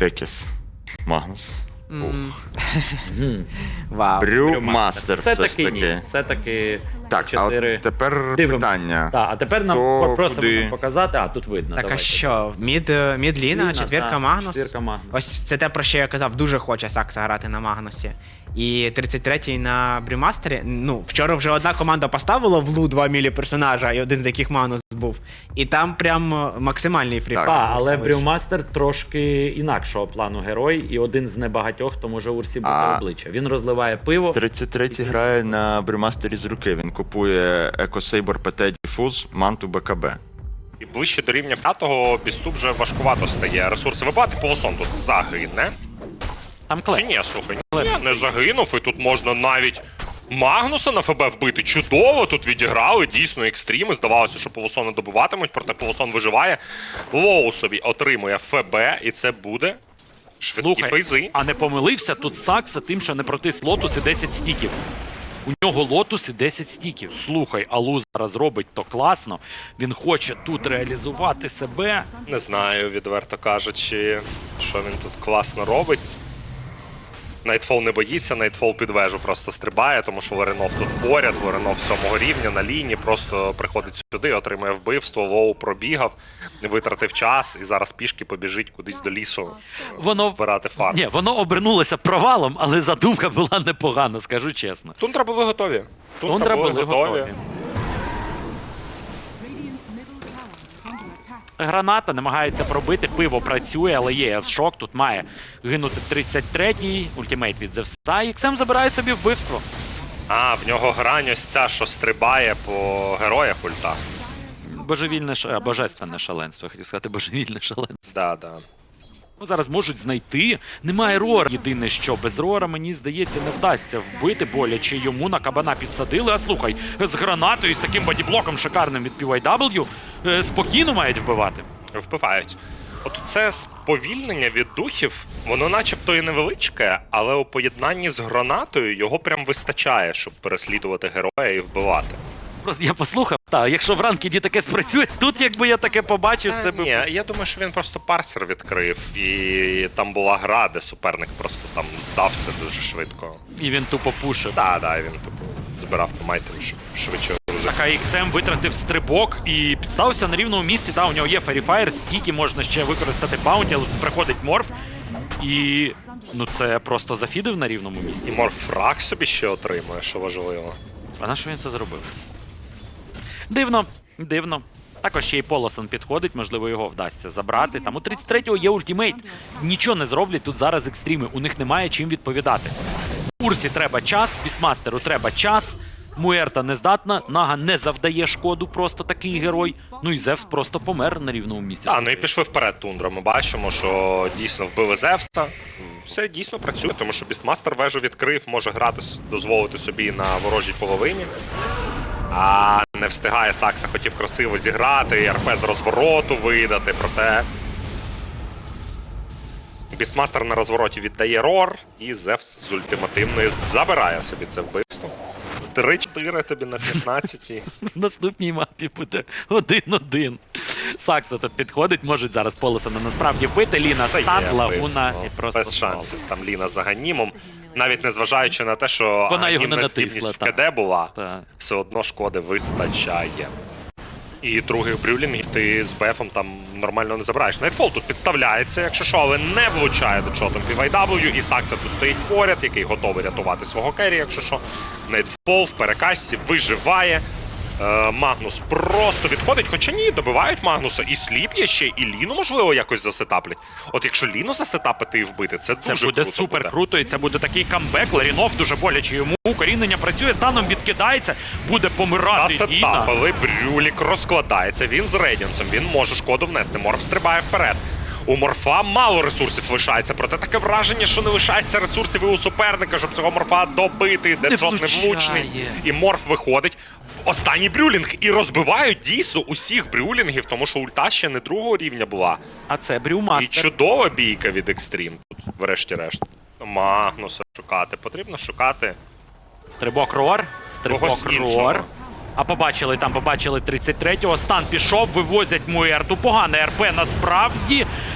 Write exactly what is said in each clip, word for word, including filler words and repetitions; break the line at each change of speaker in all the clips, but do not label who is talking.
Текіс. Магнус.
Вау.
Брюмастер все ж
Все-таки ні.
таки.
Все-таки
Так, а
чотири.
от тепер
Дивимось.
питання.
Так, а тепер нам
Хто
просимо
куди?
нам показати, а тут видно.
Так а
давайте.
що? Мід, е, мід Ліна,
Ліна,
четвірка
так,
Магнус.
четвірка Магнус.
Ось це те, про що я казав, дуже хоче Сакса грати на Магнусі. І тридцять третій на Брюмастері. Ну, вчора вже одна команда поставила в лу два мілі персонажа, і один з яких Магнус був. І там прям е, максимальний фріпак.
Так, але Брюмастер трошки інакшого плану герой, і один з небагатьох, хто може Урсі бути
А-
обличчя. Він розливає пиво.
тридцять третій грає на Брюмастері з руки. Він купує Екосейбор ПТ Діфуз, манту БКБ.
І ближче до рівня п'ятого бісту вже важкувато стає. Ресурси вибивати, полосон тут загине.
Там
Чи
клей.
ні, слухай, ні, не загинув, і тут можна навіть Магнуса на ФБ вбити. Чудово, тут відіграли, дійсно, екстріми. Здавалося, що полосон добиватимуть, проте полосон виживає. Лоу собі отримує ФБ, і це буде швидкі
Слухай,
фейзи.
а не помилився тут Сакса тим, що не протис Лотус і десять стіків. У нього Лотус і десять стіків. Слухай, Алу зараз робить то класно. Він хоче тут реалізувати себе.
Не знаю, відверто кажучи, що він тут класно робить. Найтфол не боїться, Найтфол під вежу просто стрибає, тому що Ларинов тут поряд, Ларинов сьомого рівня на лінії, просто приходить сюди, отримує вбивство, Лоу пробігав, витратив час і зараз пішки побіжить кудись до лісу
Воно
збирати фарм.
Ні, воно обернулося провалом, але задумка була непогана, скажу чесно.
Тундра були готові.
Тундра були готові. Граната намагається пробити, пиво працює, але є шок, тут має гинути тридцять третій, ультимейт від Зевса, і Іксем забирає собі вбивство.
А, в нього грань ось ця, що стрибає по героях ульта.
Божевільне, ша- божественне шаленство, я хотів сказати, божевільне шаленство.
Да, да.
Ну, зараз можуть знайти. Немає Рора. Єдине, що без Рора, мені здається, не вдасться вбити боляче. Йому на кабана підсадили. А слухай, з гранатою, з таким бодіблоком шикарним від пі вай дабл ю е, спокійно мають вбивати.
Вбивають. От це сповільнення від духів, воно начебто і невеличке, але у поєднанні з гранатою його прям вистачає, щоб переслідувати героя і вбивати.
Просто я послухав, та, якщо в ранкіді таке спрацює, тут якби я таке побачив, це би...
Ні, я думаю, що він просто парсер відкрив, і там була гра, де суперник просто там здався дуже швидко.
І він тупо пушив.
Так, так, він типу збирав томайтем, щоб швидше розуміти.
Так, а Іксем витратив стрибок і підставився на рівному місці. Та, у нього є Феріфаєр, стільки можна ще використати баунті, але тут приходить Морф. І ну це просто зафідив на рівному
І
місці.
Морф фраг собі ще отримує, що важливо.
А на що він це зробив? Дивно, дивно. Також ще й Полосон підходить, можливо, його вдасться забрати. Там у тридцять третього є ультимейт. Нічого не зроблять тут зараз екстріми. У них немає чим відповідати. Урсі треба час, Бісмастеру треба час. Муерта не здатна, Нага не завдає шкоду, просто такий герой. Ну і Зевс просто помер на рівному місці.
Так, ну і пішли вперед Тундра. Ми бачимо, що дійсно вбили Зевса. Все дійсно працює, тому що Бістмастер вежу відкрив, може грати, дозволити собі на ворожій половині. А не встигає Сакса, хотів красиво зіграти, РП з розвороту видати, проте Бістмастер на розвороті віддає Рор, і Зевс з ультимативної забирає собі це вбивство. три-чотири тобі на п'ятнадцятій.
В наступній мапі буде один-один. Сакса тут підходить, можуть зараз Полосона насправді вбити. Ліна
Та є
стан, Лагуна
вбивство.
і просто
без
слава.
шансів. Там Ліна за Ганімом. Навіть незважаючи на те, що
Вона його не
Ганімна здібність
натисла,
в КД була,
Та.
все одно шкоди вистачає. І других брюлінгів ти з Бефом там нормально не забираєш. Найтфол тут підставляється, якщо що, але не влучає до чотом пі вай дабл ю. І Сакса тут стоїть поряд, який готовий рятувати свого керрі, якщо що. Найтфол в перекачці виживає. Е, Магнус просто відходить, хоча ні, добивають Магнуса. І Сліп є ще, і Ліну, можливо, якось засетаплять. От якщо Ліну засетапити і вбити, це,
Це
дуже
буде
круто
супер
буде.
круто, і це буде такий камбек. Ларінов дуже боляче йому. Укорінення працює, станом відкидається, буде помирати Ліна.
Засетапили, Брюлік розкладається, він з Рейдінсом, він може шкоду внести. Морф стрибає вперед. У Морфа мало ресурсів лишається, проте таке враження, що не лишається ресурсів і у суперника, щоб цього Морфа добити, Деджот не влучний. І Морф виходить. Останній брюлінг. І розбивають дійсно усіх брюлінгів, тому що ульта ще не другого рівня була.
А це
І
Брюмастер.
чудова бійка від Екстрім тут, врешті-решт. Магнуса шукати. Потрібно шукати.
Стрибок Рор, стрибок
Когось
Рор.
іншого.
А побачили там, побачили тридцять третього. Стан пішов, вивозять Муерту. Погане РП насправді.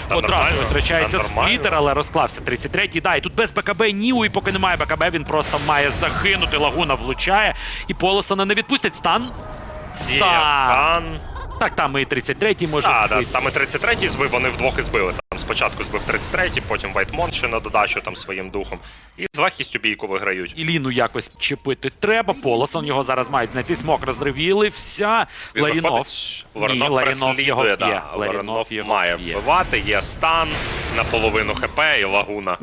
Та
Одразу
нормально,
витрачається
та нормально.
сплітер, але розклався. тридцять третій, да, і тут без БКБ Ніу, і поки немає БКБ, він просто має загинути. Лагуна влучає, і Полосона не відпустять. Стан?
Є
Стан.
стан.
Так, там і тридцять третій може
А, да,
вбити.
там і тридцять третій збив, вони вдвох і збили. Там спочатку збив тридцять третій, потім Вайтмон ще на додачу там своїм духом. І з легкістю бійку виграють.
І Ліну якось чіпити треба. Полосон його зараз мають знайти. Смок розривіли. Вся.
Він
Ларінов.
виходить,
Ні,
Ларінов
Ларінов його
переслідує,
б'є.
да.
Ларінов
Ларінов
його
має
б'є.
вбивати, є стан на половину хп і лагуна.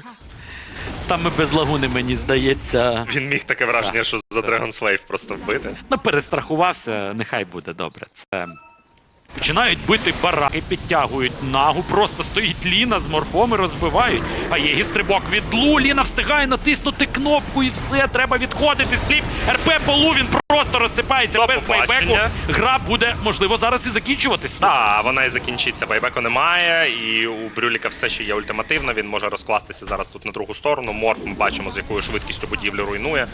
Там і без лагуни, мені здається.
Він міг таке враження, що за Dragon Slave просто вбити.
Ну, перестрахувався, нехай буде добре. Це. Починають бити бараки, підтягують нагу, просто стоїть Ліна з морфом і розбивають. А є стрибок від Лу, Ліна встигає натиснути кнопку і все, треба відходити. Сліп, РП по Лу, він просто розсипається
До
без байбеку.
побачення.
Гра буде, можливо, зараз і закінчуватись.
Так, вона і закінчиться. Байбеку немає, і у Брюліка все ще є ультимативна. Він може розкластися зараз тут на другу сторону. Морф ми бачимо, з якою швидкістю будівлю руйнує.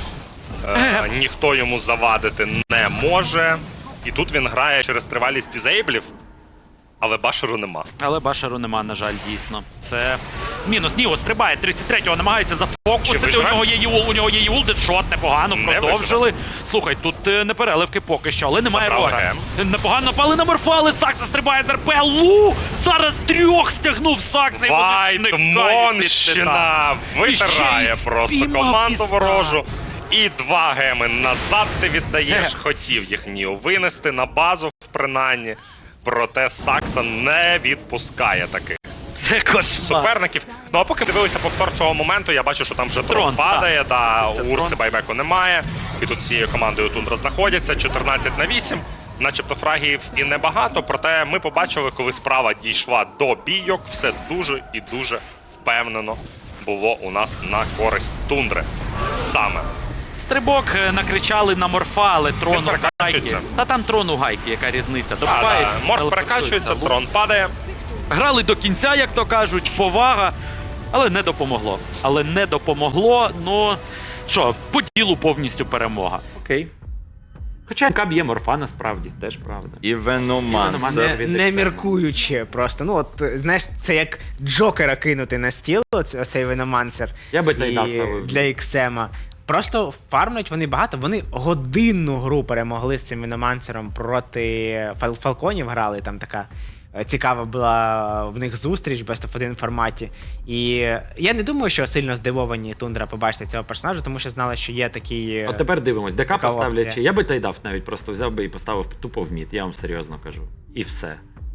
Е, ніхто йому завадити не може. І тут він грає через тривалість дізейблів, але башеру нема.
Але башару нема, на жаль, дійсно. Це мінус. Ніо стрибає, тридцять третього намагається зафокусити. У
виживе?
нього є Юл, у нього є Юл, дедшот, непогано,
Не
продовжили. Слухай, тут е, не переливки поки що, але немає
Забрали
рога.
гем.
Непогано напали на морфа, але Сакса стрибає з РП. Лу! Зараз трьох стягнув Сакса. і вони зникають від Титана.
Вайтмонщина
І ще й
витирає просто
спіймав
команду
піста.
ворожу. І два геми назад ти віддаєш. Хотів їх Ніо винести на базу, принаймні. Проте Сакса не відпускає таких
Це кошмар.
суперників. Ну а поки дивилися повтор цього моменту, я бачу, що там вже трон
Трон,
падає, да,
Це
у Урси
трон.
байбеку немає. І тут цією командою Тундра знаходяться. чотирнадцять на вісім. Начебто фрагів і небагато, проте ми побачили, коли справа дійшла до бійок, все дуже і дуже впевнено було у нас на користь Тундри. Саме.
Стрибок е, накричали на морфа, але трон
Він
у гайки.
перекачується.
Та там трон у гайки, яка різниця.
А,
Добивають,
да. Морф
телепортуються.
перекачується, трон падає.
Грали до кінця, як то кажуть, повага, але не допомогло. Але не допомогло, ну що, по ділу повністю перемога.
Окей. Хоча МК б'є морфа, насправді, теж правда.
І Веномансер.
Веномансер.
Не,
від
не
Ексема.
міркуючи просто. Ну, от, знаєш, це як Джокера кинути на стіл, оц- оцей Веномансер.
Я би
І
Тайда ставив.
для Іксема. Просто фармлять вони багато. Вони годинну гру перемогли з цим Веномансером проти Фал- Фалконів грали. Там така е, цікава була в них зустріч в Best of один форматі. І я не думаю, що сильно здивовані Тундра побачити цього персонажа, тому що знали, що є такий.
От тепер дивимось, ДК
Така
поставлять.
опція.
Я би Тайдав навіть просто взяв би і поставив тупо в мід, я вам серйозно кажу. І все.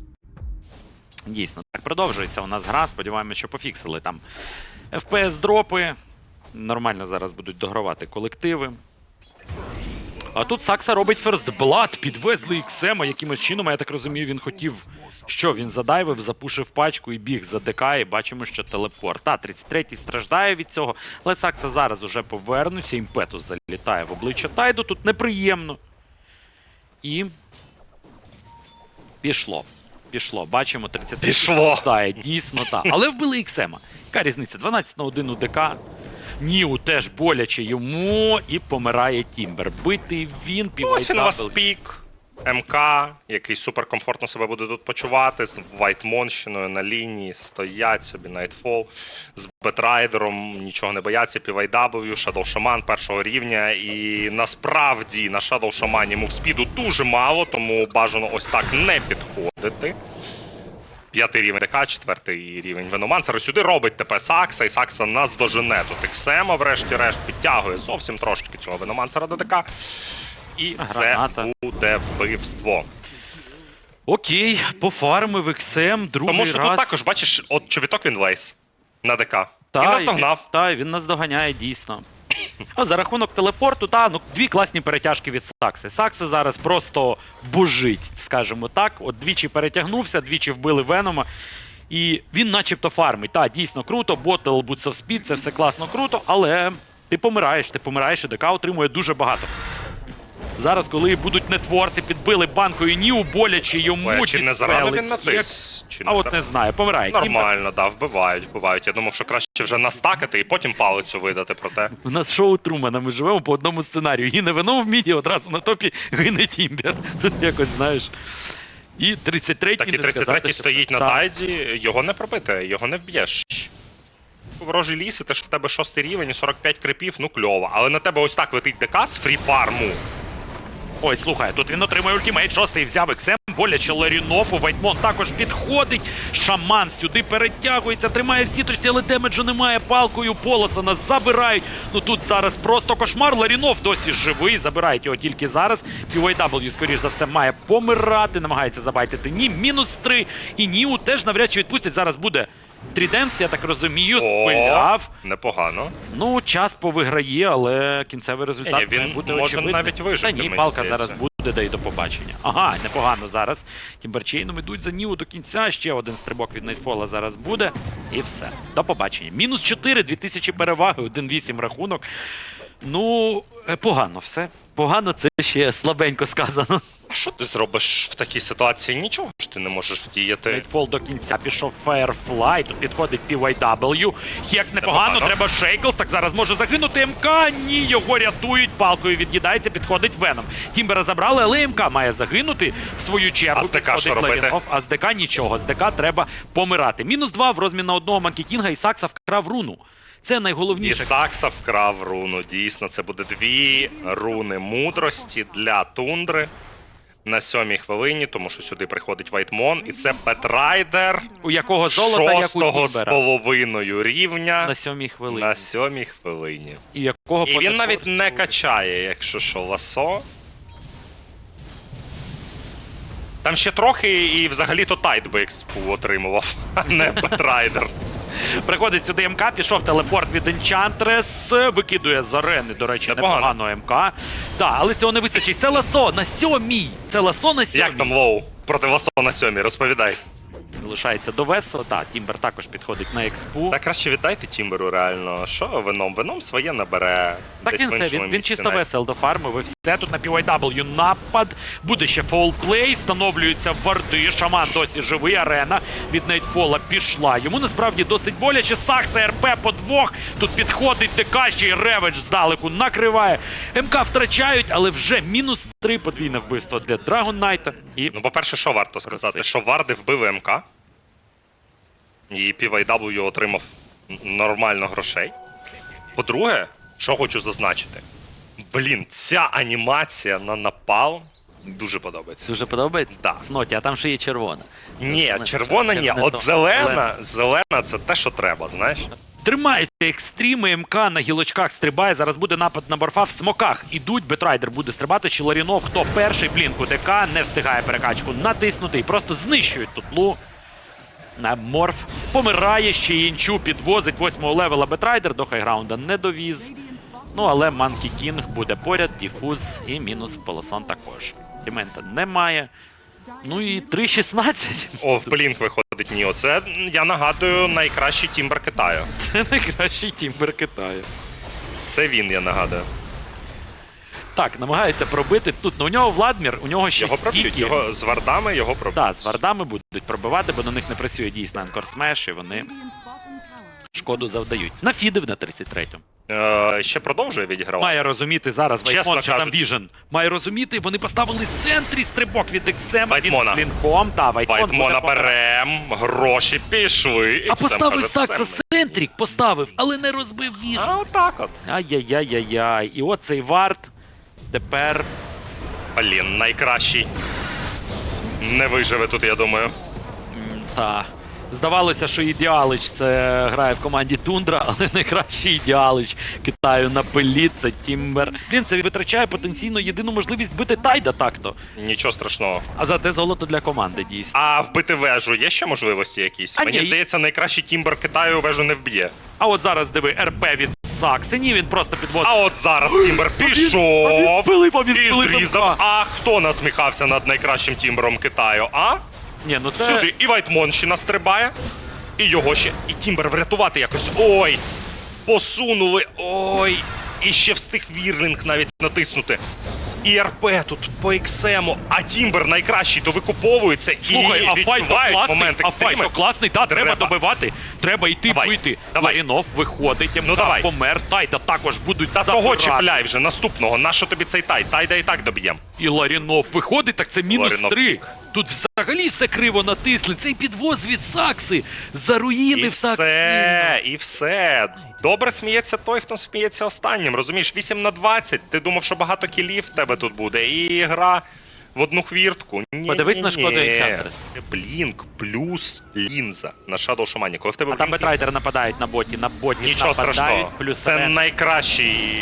Дійсно, так продовжується у нас гра. Сподіваємося, що пофіксили там еф пі ес-дропи. Нормально зараз будуть догравати колективи. А тут Сакса робить First Blood, підвезли Іксема якимось чином, а я так розумію, він хотів, що він задайвив, запушив пачку і біг за ДК, і бачимо, що телепорт. Та, тридцять третій страждає від цього, але Сакса зараз уже повернуться, імпетус залітає в обличчя Тайду, тут неприємно. І пішло. Пішло, бачимо, тридцять третій
Пішло.
страждає, дійсно так. Але вбили Іксема. Яка різниця? дванадцять на один у ДК. Ніу теж боляче йому, і помирає Тімбер. Битий він,
Ось він у вас
півайтабл.
пік. МК, який суперкомфортно себе буде тут почувати, з Вайтмонщиною на лінії, стоять собі Nightfall, з Бетрайдером, нічого не бояться, пі вай дабл ю, Shadow Shaman першого рівня, і насправді на Shadow Shaman мувспіду дуже мало, тому бажано ось так не підходити. П'ятий рівень ДК, четвертий рівень Веномансера. Сюди робить ТП Сакса, і Сакса наздожене тут Іксема, врешті-решт, підтягує зовсім трошки цього Веномансера до ДК. І
Граната.
це буде вбивство.
Окей, пофармив Іксем, другий
Тому що
раз.
тут також, бачиш, от чобіток він лейс на ДК.
Та,
Він
і
наздогнав.
Та, він нас доганяє дійсно. А за рахунок телепорту, та, ну, дві класні перетяжки від Сакси. Сакса зараз просто божить, скажімо так. От двічі перетягнувся, двічі вбили Венома. І він начебто фармить. Та, дійсно круто, ботл, Boots of Speed, це все класно круто, але ти помираєш, ти помираєш, і ДК отримує дуже багато. Зараз, коли будуть нетворси, підбили банкою Ніу, боляче йому,
Ой, а чи не зарано
діспелить
він натис? Чи
А
не
от
зарано?
не знаю, помирає. Тімбер.
Нормально, да, вбивають, вбивають. Я думав, що краще вже настакати і потім палицю видати, проте.
У нас шоу Трумана, ми живемо по одному сценарію. Гине Веном в міді, одразу на топі гине Тімбер. Тут якось, знаєш. І тридцять третій
Так і
не
тридцять
сказати,
третій
що-
стоїть на
Так.
тайді, його не пробити, його не вб'єш. Ворожий ліс, і те, що в тебе шостий рівень і сорок п'ять крипів, ну кльово. Але на тебе ось так летить ДК з фрі-фарму.
Ой, слухай, тут він отримує ультимейт, шостий взяв ексем, боляче Ларінофу, Вайтмон також підходить, Шаман сюди перетягується, тримає в сіточці, але демеджу немає, палкою Полосона забирають. Ну тут зараз просто кошмар, Ларінов досі живий, забирають його тільки зараз. пі вай дабл ю, скоріш за все, має помирати, намагається забайтити Ні, мінус три, і Ніу теж навряд чи відпустять, зараз буде Тріденс, я так розумію, спиляв.
Непогано.
Ну, час повиграє, але кінцевий результат
Ні, ні, він
має бути
може
очевидний.
навіть вижити,
Та ні,
мені
палка
здається.
зараз буде, да й до побачення. Ага, непогано зараз. Тімберчейном ідуть за Ніу до кінця, ще один стрибок від Найтфола зараз буде. І все. До побачення. Мінус чотири, дві тисячі переваги, один вісім рахунок. Ну, е, погано все. Погано, це ще слабенько сказано.
А що ти зробиш в такій ситуації? Нічого ж ти не можеш вдіяти.
Найтфол до кінця пішов Firefly, тут підходить пі вай дабл ю. Хекс непогано,
Непогано.
треба Шейклс, так зараз може загинути МК. Ні, його рятують, палкою від'їдається, підходить Веном. Тімбера забрали, але МК має загинути в свою чергу.
А з ДК
підходить
що робити?
Ларінов, а з ДК нічого, з ДК треба помирати. Мінус два в розмін на одного Манкі Кінга і Сакса вкрав руну. Це
І
найголовніше.
Сакса вкрав руну. Дійсно, це буде дві руни мудрості для тундри на сьомій хвилині, тому що сюди приходить Вайтмон, і це Петрайдер
У якого золота, як у
шостого з
Тімбера.
половиною рівня
На сьомій хвилині.
на сьомій хвилині.
І, в якого
І він навіть
позафорсу-
не качає, якщо що, ласо. Там ще трохи і взагалі-то тайт би експу отримував, а не Петрайдер.
Приходить сюди МК, пішов телепорт від Enchantress, викидує з арени, до речі,
Непогано.
непогано МК. Так, але цього не вистачить. Це ласо на сьомій. Це ласо на сьомій.
Як там лоу проти ласо на сьомій? Розповідай.
Лишається до Весо. Так, Тімбер також підходить на експу.
Та краще віддайте Тімберу реально. Що вином? Вином своє набере.
Так
десь
він
в
все,
іншому
він, він
місці
чисто
навіть.
весел дофармив і все. Тут на пі вай дабл ю напад. Буде ще фолплей, встановлюються варди. Шаман досі живий, арена від Найтфола пішла. Йому насправді досить боляче. Сакса РП по двох. Тут підходить ТК, ще й Реведж здалеку накриває. МК втрачають, але вже мінус три подвійне вбивство для Драгон Найта. І
Ну, по-перше, що варто сказати? Що варди вбили МК. І пі вай дабл ю отримав н- нормально грошей. По-друге, що хочу зазначити. Блін, ця анімація на напал дуже подобається.
дуже подобається?
Да.
Сноті, а там ще є червона.
Ні,
Це
червона
не-
ні.
це не
От
то.
зелена, зелена це те, що треба, знаєш?
Тримають екстріми, МК на гілочках стрибає. Зараз буде напад на Борфа в смоках. Ідуть, Бетрайдер буде стрибати, чи Ларінов, хто перший, блінку ДК, не встигає перекачку натиснути і просто знищують тут лу. На Морф помирає, ще й Інчу підвозить восьмого левела Бетрайдер, до хайграунда не довіз. Ну, але Манкі Кінг буде поряд, Діфуз і мінус Полосон також. Дімента немає. Ну і три шістнадцять.
О, в Блінк виходить Ніо. Це, я нагадую, найкращий тімбер Китаю.
Це найкращий тімбер Китаю.
Це він, я нагадую.
Так, намагається пробити. Тут ну, у нього Владмір, у нього ще
Його проб'ють,
стільки.
його з вардами його проб'ють.
Так, з вардами будуть пробивати, бо на них не працює дійсно Анкор Смеш, і вони шкоду завдають. Нафідив на тридцять третьому.
Е, ще продовжує відігравати.
Має розуміти зараз
Чесно
Вайтмон, що там
кажучи.
Віжен. Має розуміти, вони поставили сентрі стрибок від Ексема,
Вайтмона.
від Блінком. Та, Вайтмон
Вайтмона
буде помирати.
берем, гроші пішли.
А
Ексем
поставив
каже,
Сакса
«Це
сентрік, поставив, але не розбив Віжен.
А отак от.
Ай-яй-яй-яй-яй. І от цей вард тепер
Блін, найкращий. Не виживе тут, я думаю.
та. Здавалося, що Ідеалич це грає в команді Тундра, але найкращий Ідеалич Китаю на пилі це Тімбер. Він це витрачає потенційно єдину можливість бити Тайда так-то.
Нічого страшного.
А зате золото для команди дійсно.
А вбити вежу є ще можливості якісь?
А
Мені
ні.
здається, найкращий тімбер Китаю вежу не вб'є.
А от зараз диви, РП від Сакси. Ні, він просто підвозить.
А от зараз тімбер
А він
пішов
спилив, а він
і
спилив
зрізав.
МК.
А хто насміхався над найкращим тімбером Китаю? А?
Ні, ну це...
Сюди і Вайтмон ще настрибає, і його ще, і Тімбер врятувати якось. Ой! Посунули, ой! І ще встиг Вірлінг навіть натиснути. І РП тут по ексему, а Тімбер найкращий довикуповується
Слухай,
і
а файт то
відчувають
класний,
момент
а файт
екстреми.
то класний, та, треба,
Треба.
добивати, треба йти
Давай,
бити.
давай.
Ларінов виходить,
Ну,
МК
давай.
помер, Тайда також будуть
Та
забирати.
того чіпляй вже, наступного. Нащо тобі цей тай? Тайда і так доб'єм.
І Ларінов виходить, так це мінус
Ларінов
три.
пік.
Тут взагалі все криво натисли. Цей підвоз від Сакси заруїнив
І
так
все,
сильно.
і все. Добре сміється той, хто сміється останнім. Розумієш, вісім на двадцять. Ти думав, що багато кілів в тебе тут буде. І гра в одну хвіртку. Ні,
Подивись
ні,
на шкоду
ні.
Enchantress.
Блінк плюс лінза на Shadow Shaman. Коли в тебе
А там
Блінк,
бетрайдери нападають на боті, на боті
нічого
нападають,
страшного.
плюс
Це
арена.
найкращий.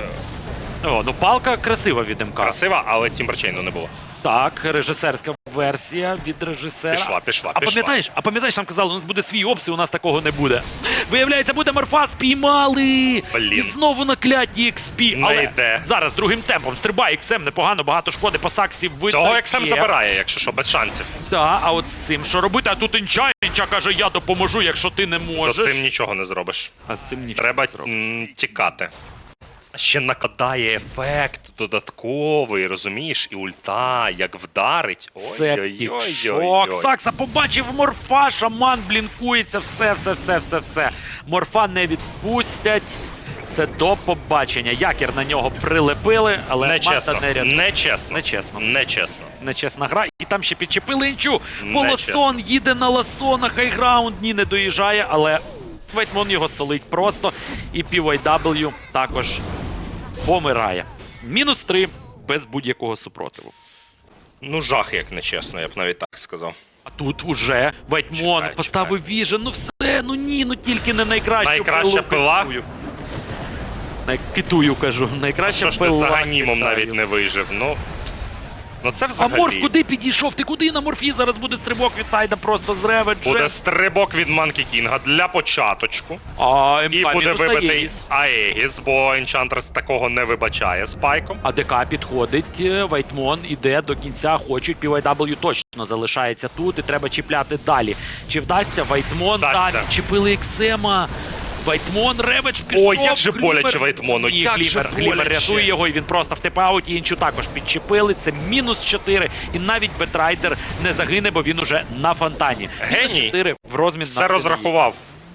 О, ну палка красива від МК.
Красива, але Тімберчейну не було.
Так, режисерська версія від режисера.
Пішла, пішла,
а
пішла.
пам'ятаєш, а пам'ятаєш, нам казали, у нас буде свій опс, і у нас такого не буде. Виявляється, буде Морфа, спіймали!
Блін.
І знову на кляті ікс пі.
Не
Але
йде.
зараз другим темпом стрибає ікс ем, непогано, багато шкоди по Саксі видно.
Цього Ексем
є.
забирає, якщо що, без шансів.
Так, а от з цим що робити? А тут Інча, Інча каже, я допоможу, якщо ти не можеш.
За цим нічого не зробиш.
А з цим нічого
Треба
не зробиш.
м, тікати. Ще накладає ефект додатковий, розумієш, і ульта, як вдарить.
Септік шок.
Ой-ой-ой.
Сакса побачив Морфа, шаман блінкується, все, все, все, все, все. Морфа не відпустять. Це до побачення. Якір на нього прилепили, але
Нечесно,
Манта не рятує.
нечесно,
Нечесно.
нечесно.
Нечесна гра. І там ще підчепили інчу.
Нечесно.
Полосон їде на ласона, хайграунд, ні, не доїжджає, але Вейтмон його солить просто. І пі вай дабл ю також помирає. Мінус три без будь-якого супротиву.
Ну, жах, як нечесно, я б навіть так сказав.
А тут уже Вайтмон
Чекай,
поставив віжен, ну все, ну ні, ну тільки не найкращу
Найкраща
пилу
пила?
китую. Най... Китую, кажу, найкраща
Що ж ти
пила.
за ганімом
китаю.
навіть не вижив? Ну, ну це
А
взагалі.
Морф куди підійшов? Ти куди на Морфі? Зараз буде стрибок від Тайда просто з реведжем.
Буде стрибок від Манкі Кінга для початочку.
А
І
МК
буде
мінус на
вибитий
Єгіс.
Аегіс, бо Enchantress такого не вибачає спайком.
А ДК підходить, е, Вайтмон іде до кінця, хочуть, пі вай дабл ю точно залишається тут і треба чіпляти далі. Чи вдасться Вайтмон?
Вдасться.
Так, чіпили Ексема. Вайтмон, реведж пішов.
Ой, як же
Глімер-
боляче Вайтмону,
Ні,
як же
Глімер, Глімер
боляче.
рятує його, і він просто в типауті, інчу також підчепили. Це мінус чотири, і навіть Бетрайдер не загине, бо він уже на фонтані.
Геній.
Мінус чотири в розмін
Все
на
розрахував.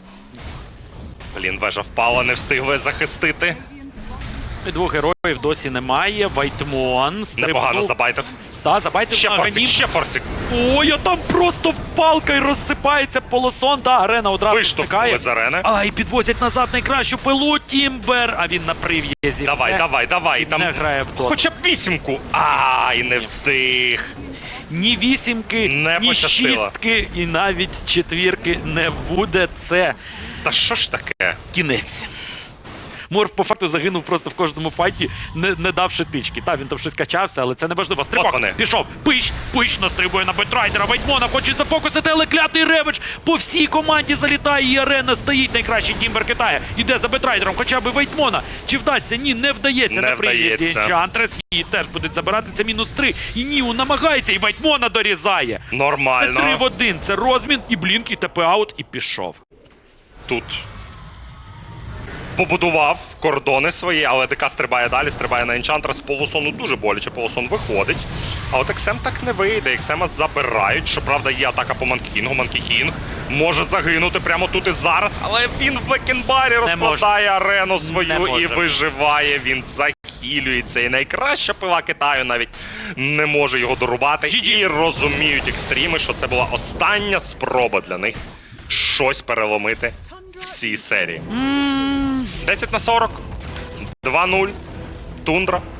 Блін, вежа впала, не встигли захистити.
І двох героїв досі немає. Вайтмон стрибнув.
Непогано забайтив.
Та, забайте
Ще
на
форсик,
Ганім.
ще форсик.
Ой, а там просто палка й розсипається полосон. Та арена одразу
Виштовхнули
втикає.
з арени.
А, і підвозять назад найкращу пилу Тімбер. А він на прив'язі.
Давай,
Все.
давай, давай.
І
Там
не грає в тот.
хоча б вісімку. Ай, не встиг.
Ні вісімки,
Не
ні
пощастило.
шістки, і навіть четвірки не буде. Це
Та що ж таке?
кінець. Морф по факту загинув просто в кожному файті, не, не давши тички. Та, він там щось качався, але це не важливо. Стрибок
От вони.
пішов. Пиш, пиш настрибує на Бетрайдера. Вайтмона хоче зафокусити, але клятий реведж по всій команді залітає, і арена стоїть. Найкращий Тімбер Китая. Іде за Бетрайдером, хоча б Вайтмона. Чи вдасться? Ні, не вдається.
Не
на прив'язі
вдається.
Enchantress. Її теж будуть забирати. Це мінус три. І Ніу намагається, і Вайтмона дорізає. Це
Нормально.
три в один. Це розмін, і блінк, і ТП-аут, і пішов.
Тут побудував кордони свої, але ДК стрибає далі, стрибає на Enchantress. Полусону дуже боляче, Полусон виходить. А от Ексем так не вийде, Ексема забирають. Щоправда, є атака по Манкі Кінгу. Манкі Кінг може загинути прямо тут і зараз, але він в Блекенбарі розкладає арену свою
Не
і
може.
виживає. Він захилюється. І найкраща пила Китаю навіть не може його дорубати. І розуміють екстріми, що це була остання спроба для них щось переломити в цій серії. десять на сорок, два нуль, Тундра.